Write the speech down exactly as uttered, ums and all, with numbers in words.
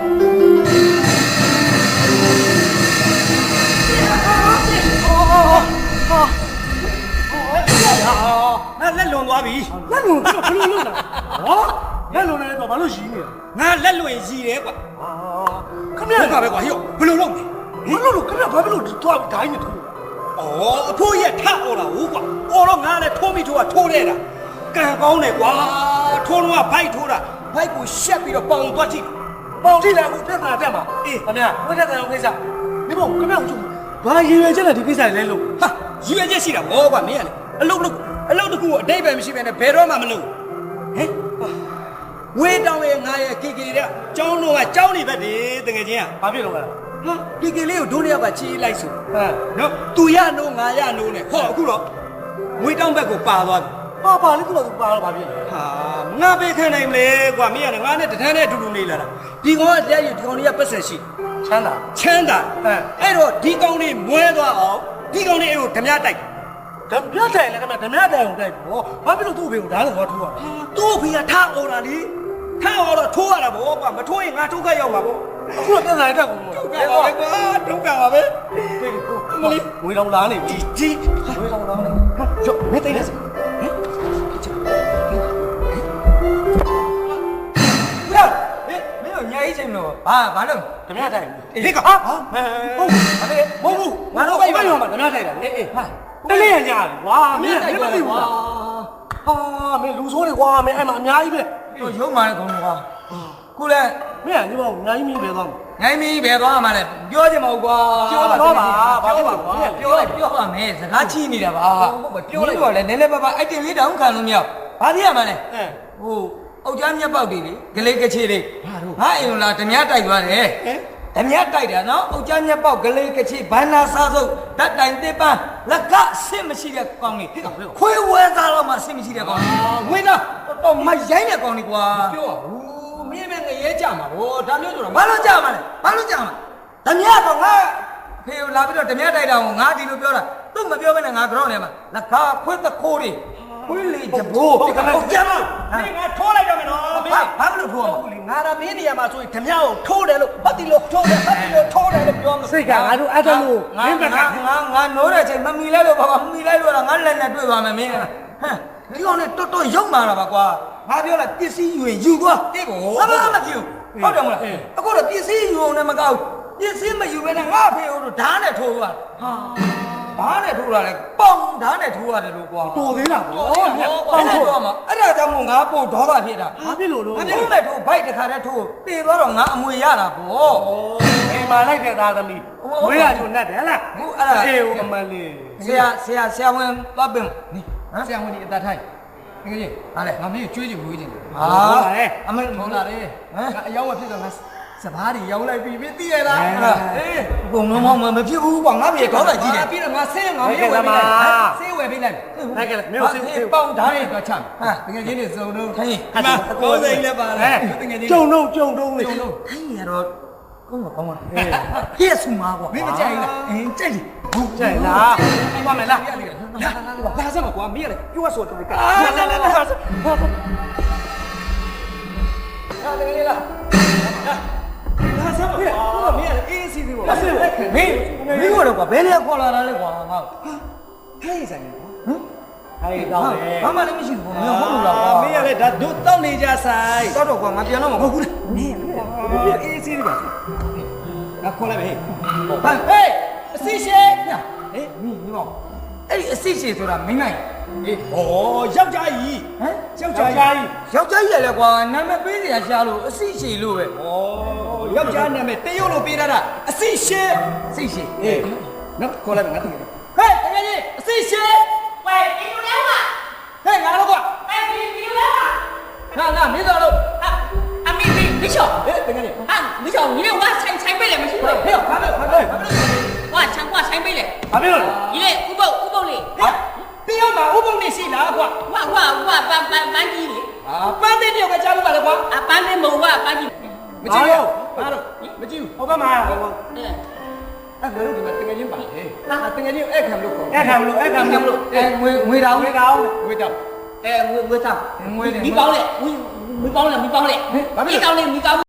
လက်လွန်သွားပြီလက်လွန်တော့ဘယ်လိုလုပ်လဲဟောလက်လွန်နေတော့ဘာလို့ရှိနေလဲငါလက်လွန်ရည်တယ်ကွာခမရကပဲကွာဟိုဘယ်လိုလုပ်လဲဘာလို့လို့ခမရဘာလို့တော့ဒိုင်းနေထိုးဩအဖိုးရထအော်တာဟုတ်ကွာအော်တော့ငါလည်းထိုးမိထိုးတာထိုးတဲ့တာကံကောင်းတယ်ကွာထိုးတော့ဘိုက်ထိုးတာဘိုက်ကိုရှက်ပြီးတော့ပေါင်သွားကြည့်ပေါင်ကြည့်လိုက်အခုတက်တာတက်မှာအေးခမရဝတ်တက်တယ်ကိစ္စမင်းမခမရကျုံဘာရည်ရွယ်ချက်နဲ့ဒီကိစ္စလဲလို့ဟာရည်ရွယ်ချက်ရှိတာဘောကွာမင်းကလေအလုပ်လုပ်အလုပ်တကူအတိတ်ပဲမရှိဘဲနဲ့ဘယ်တော့မှမလုပ်ဟင်ဝေးတောင်းရဲ့ငါရဲ့ကေကေတဲ့ကျောင်းတော်ကကျောင်းနေပဲဒီတကယ်ချင်းကဘာဖြစ်လို့လဲဟာကေကေလေးကိုဒုနေရပါချီးလိုက်ဆိုဟမ်နော်သူရနိုးငါရနိုးနဲ့ဟောအခုတော့ဝေးတောင်းဘက်ကိုပါသွားပြီပါပါလေးကတော့သူပါတော့ဘာဖြစ်လဲဟာငါပေးခံနိုင်မလဲကွာမင်းကငါနဲ့တန်းနဲ့အတူတူနေလာတာဒီကောင်ကတရားရဒီကောင်လေးကပတ်ဆက်ရှိချမ်းသာချမ်းသာအဲအဲ့တော့ဒီကောင်လေးမွဲသွားအောင်ဒီကောင်လေးအဲ့ကိုဓမြတိုက်ဓမြတိုင်လည်းခမဓမြတိုင်ကိုတိုက်ပေါ့ဘာဖြစ်လို့သူ့ဖေကိုဓာတ်လို့ထိုးရလဲသူ့ဖေကထားအော်တာလေထားအော်တော့ထိုးရတာဗောကွာမထိုးရင်ငါဒုက္ခရောက်မှာဗောအခုတော့ပြန်လာတက်ကုန်ဒုက္ခပါပဲကွာဒုက္ခပါပဲမလေးဝေးလောင်လာနေပြီကြီးဝေးလောင်လာနေဟာကျော်မသိနေစဟမ်ညာကြီးချိန်လို့ဘာဘာလို့ဓမြတိုင်ဟေးကဟာဟုတ်ဘာလဲမဟုတ်ဘူးငါတို့အိမ်မရောမှာဓမြတိုင်တာအေးအေးဟာတလေးရညာကွာမင်းမသိဘူးလားဟာမင်းလူဆိုးတွေကွာမင်းအဲ့မှာအများကြီးပဲတို့ရုံမာတဲ့ကောင်ကွာခုလဲမင်းကဒီမောင်ညာကြီးမင်းပဲသွားမှာညာကြီးမင်းပဲသွားမှာလဲပြောချင်မဟုတ်ကွာပြောပါတော့ပါဘာဖြစ်ပါကွာပြောလိုက်ပြောပါမယ်စကားချီနေတာပါပြောလိုက်တော့လဲနည်းနည်းပါးပါအဲ့တင်လေးတောင်ခံလို့မရဘာဖြစ်ရမှာလဲဟိုအောက်ကြားမြက်ပေါက်တွေလေဂလေးကချေလေးငါအိမ်လာဓမြတိုက်သွားတယ်ဓမြတိုက်တာနော်အောက်ကြားမြက်ပေါက်ဂလေးကချေဘန္နာစားစုပ်ဓာတ်တိုင်တစ်ပန်းလက်ကအဆင့်မရှိတဲ့ကောင်းလေးခွေးဝဲသားတော့မှအဆင့်မရှိတဲ့ကောင်းဝင်းတော့တော့မရိုင်းတဲ့ကောင်းလေးကွာပြောဘူးမင်းပဲငရဲကြမှာဗောဒါမျိုးဆိုတော့ဘာလို့ကြမှာလဲဘာလို့ကြမှာဓမြတော့ငါဖေကိုလာပြီးတော့ဓမြတိုက်တာကိုငါဒီလိုပြောတာသူ့မပြောဘဲနဲ့ငါကြောက်နေမှာလက်ကခွေးတခိုးတွေခွေးလေးကြဘိုးဟုတ်ကဲ့ဟုတ်ကြမ်းမင်းငါထိုးလိုက်တော့မယ်နော်မင်းဘာလို့ထိုးအောင်ငါရမင်းနေရာမှာဆိုရင်ဓမြကိုထိုးတယ်လို့ဘာတီလို့ထိုးတယ်ဘာတီလို့ထိုးတယ်လို့ပြောမှာစိတ်ကငါတို့အဲ့ဒါလို့မင်းကငါငါငါနိုးတဲ့ချိန်မမီလိုက်လို့ဘာမမီလိုက်လို့ငါလက်နဲ့တွေ့ပါမယ်မင်းဟမ်ဒီကောင်နဲ့တော်တော်ရုံမာတာပါကွာငါပြောလိုက်ပစ္စည်းယူရင်ယူသွားတိကိုဘာမှမဖြစ်ဘူးဟုတ်တယ်မလားအခုတော့ပစ္စည်းယူအောင်လည်းမကောက်ပစ္စည်းမယူဘဲနဲ့ငါဖေကိုတော့ဓာတ်နဲ့ထိုးသွားဟာဓာတ်နဲ့ထိုးတာလေပေါင်ဓာတ်နဲ့ထိုးရတယ်လို့ကွာတော်သေးလားဗောပေါင်ထိုးမှာအဲ့ဒါကြောင့်မို့ငါပို့ဒေါသဖြစ်တာဘာဖြစ်လို့လို့ငါထိုးမဲ့ထိုးဘိုက်တစ်ခါတည်းထိုးတည်သွားတော့ငါအမွေရတာဗောအိမ်မှာလိုက်တဲ့သားသမီးဝေးရချိုနဲ့တယ်လားဟုတ်အဲ့ဒါအေးဦးအမလေးဆရာဆရာဆရာဝန်သွားပင်နိဆရာဝန်ဒီအတထိုင်ငယ်ကြီးဟာလေငါမင်းကျွေးချင်ဝေးချင်တယ်ဟာအမေထုံလာတယ်ဟမ်အယောင်မဖြစ်တော့ငါစဘာတွေရောင်းလိုက်ပြီမသိရလားအေးဘုံလုံးမမဖြစ်ဘူးကွာငါပြေတော့တာကြီးတယ်ပြီးတော့ငါဆင်းငါမင်းဝယ်ပေးလိုက်ဆေးဝယ်ပေးလိုက်ဟုတ်ကဲ့မင်းဆေးပေါင်ဓာတ်တွေတော့ချမ်းဟာတကယ်ချင်းနေစုံတော့ခိုင်းအမကိုယ်စိတ်လည်းပါလားတကယ်ချင်းကြုံတော့ကြုံတော့လေခိုင်းရတော့ကောင်းပါကောင်းပါဟဲ့ဆူမာကွာမင်းမကြိုက်လားအင်းကြိုက်တယ်ဟုတ်ကြိုက်လားပါမယ်လားလာလာစမ်းကွာမင်းရတယ်ပြောဆိုတော့ကလာလာလာလာဟာတကယ်လားလာစမ်းကွာမင်းရအေးစီစီပေါ့မင်းမင်းကတော့ကွာဘယ်နေရာခေါ်လာတာလဲကွာငါဟဲ့ဆိုင်ကွာဟမ်ဟဲ့တော့လေဘာမှလည်းမရှိဘူးမင်းဟုတ်လို့လားကွာမင်းရလေဒါတို့တောက်နေကြဆိုင်တော့တော့ကွာငါပြန်တော့မဟုတ်ဘူးမင်းအေးစီစီပါငါခေါ်လိုက်မယ်ဟဲ့ဟေးအစီရှေဟေးမင်းမင်းအဲ့ဒီအစီရှေဆိုတာမင်းနိုင်အေးဩယောက်ျားကြီးဟမ်ယောက်ျားကြီးယောက်ျားကြီးရလေကွာနာမည်ပေးစရာရှာလို့အစီရှေလို့ပဲဩယောက်ျားနာမည်တရုပ်လို့ပေးထားတာအစီရှေအစီရှေအေးနော်ခေါ်လိုက်မယ်ငါတကယ်ဟဲ့တကယ်ကြီးအစီရှေ喂，你有来吗？ ဟဲ့ငါတော့ကွာ哎，你你有来吗？ ငါငါမင်းသားလို့啊啊，没没没笑。 哎，等下你啊，没笑，你连我才才背了没听过？ 没有，还没有，还没有，还没有。 我才我才背了。 还没有。 你嘞，五包五包嘞。 啊，你要买五包你是哪个？ 我我我搬搬搬机嘞。 啊，搬的你要给家里买的瓜？ 啊，搬的没我搬机。 没进有，哪了？没进有。我干嘛呀？ 嗯。 အဲ့ငါတို့ဒီမှာတကယ်ချင်းပါလေဟာတကယ်ချင်းအဲ့ခံလို့ခေါ်အဲ့ခံလို့အဲ့ခံလို့အဲငွေငွေတောင်ငွေတောင်ငွေတောင်အဲငွေငွေတောင်ငွေ米包嘞，米米包嘞，米包嘞，米包嘞，米包。